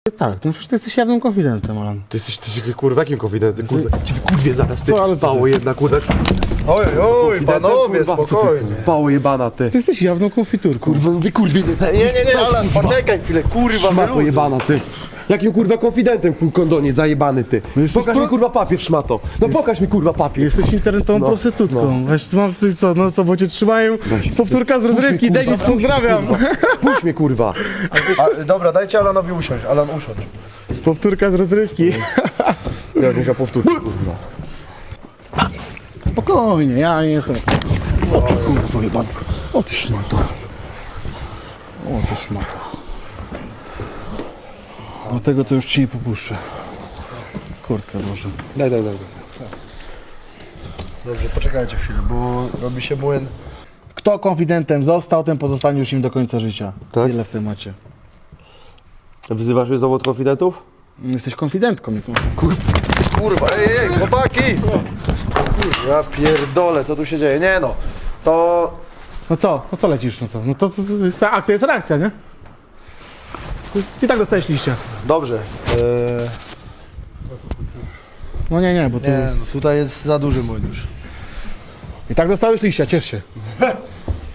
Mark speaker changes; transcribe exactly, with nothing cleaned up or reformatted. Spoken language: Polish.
Speaker 1: Tak, no przecież ty jesteś jawnym konfidentem, Alan.
Speaker 2: Ty jesteś, ty jesteś kurwa, jakim konfidentem, kurwa? Ciebie kurwie zaraz, ty.
Speaker 1: Co, ale co
Speaker 2: Pało
Speaker 1: ty?
Speaker 2: jedna, kurwa.
Speaker 3: Oj, oj,
Speaker 2: Konfidentem,
Speaker 3: panowie,
Speaker 2: kurwa, co ty,
Speaker 3: spokojnie.
Speaker 2: Pało jebana, ty.
Speaker 1: Ty jesteś jawną konfiturką.
Speaker 2: Kurwa, mówię kurwie, nie.
Speaker 3: Nie, nie, nie, Alan, poczekaj chwilę, kurwa,
Speaker 2: Szmato
Speaker 3: wyluzuj.
Speaker 2: jebana, ty. Jakim kurwa konfidentem, kur- kondonie, zajebany, ty.
Speaker 1: jesteś
Speaker 2: Pokaż
Speaker 1: pro-
Speaker 2: mi kurwa papier, szmato. No pokaż mi kurwa papier.
Speaker 1: Jesteś internetową
Speaker 2: No,
Speaker 1: prostytutką. Weź, mam ty co, no co, bo cię trzymają. Powtórka z rozrywki,
Speaker 2: kurwa,
Speaker 1: Denis, pozdrawiam.
Speaker 2: Puść mnie, kurwa.
Speaker 3: A, dobra, dajcie Alanowi usiąść, Alan usiądź.
Speaker 1: Powtórka z rozrywki.
Speaker 2: Ja muszę powtórzyć, kurwa.
Speaker 1: Spokojnie, ja nie jestem. O ty kurwa jebana. O ty szmato. O ty szmato. O tego to już ci nie popuszczę. Kurtkę może.
Speaker 2: Daj, daj, daj.
Speaker 3: Dobrze, poczekajcie chwilę, bo robi się młyn.
Speaker 1: Kto konfidentem został, ten pozostanie już im do końca życia.
Speaker 2: Tak?
Speaker 1: Tyle w temacie.
Speaker 2: Wzywasz mnie znowu od konfidentów?
Speaker 1: Jesteś konfidentką. nie konf-
Speaker 3: Kurwa, ej, ej, chłopaki! Kurwa, ja pierdolę, co tu się dzieje? Nie no, to...
Speaker 1: No co? No co lecisz? No co? No to, to, to jest akcja jest reakcja, nie? I tak dostajesz liścia.
Speaker 3: Dobrze. Eee,
Speaker 1: No nie, nie, bo to
Speaker 3: nie, no,
Speaker 1: jest...
Speaker 3: tutaj jest za duży młyn już.
Speaker 1: I tak dostałeś liścia, ciesz się.